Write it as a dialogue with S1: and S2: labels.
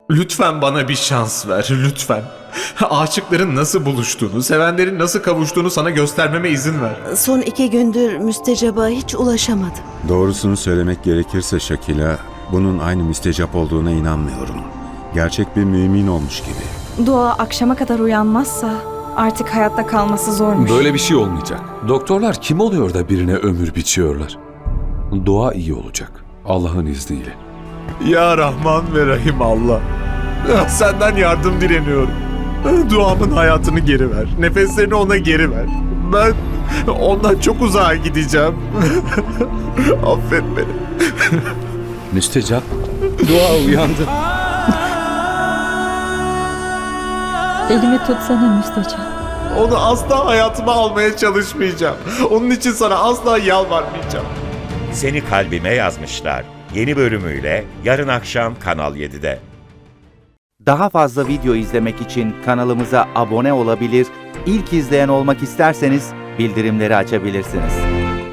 S1: Lütfen bana bir şans ver, lütfen. Aşıkların nasıl buluştuğunu, sevenlerin nasıl kavuştuğunu sana göstermeme izin ver.
S2: Son 2 gündür müstecaba hiç ulaşamadım.
S3: Doğrusunu söylemek gerekirse Şakila, bunun aynı müstecap olduğuna inanmıyorum. Gerçek bir mümin olmuş gibi.
S4: Dua akşama kadar uyanmazsa artık hayatta kalması zormuş.
S5: Böyle bir şey olmayacak. Doktorlar kim oluyor da birine ömür biçiyorlar? Dua iyi olacak. Allah'ın izniyle.
S1: Ya Rahman ve Rahim Allah. Senden yardım dileniyorum. Duamın hayatını geri ver. Nefeslerini ona geri ver. Ben ondan çok uzağa gideceğim. Affet beni.
S5: Müstecap. Dua uyandı.
S6: Elimi tutsana müstecap.
S1: Onu asla hayatıma almaya çalışmayacağım. Onun için sana asla yalvarmayacağım.
S7: Seni Kalbime Yazmışlar yeni bölümüyle yarın akşam Kanal 7'de.
S8: Daha fazla video izlemek için kanalımıza abone olabilir, ilk izleyen olmak isterseniz bildirimleri açabilirsiniz.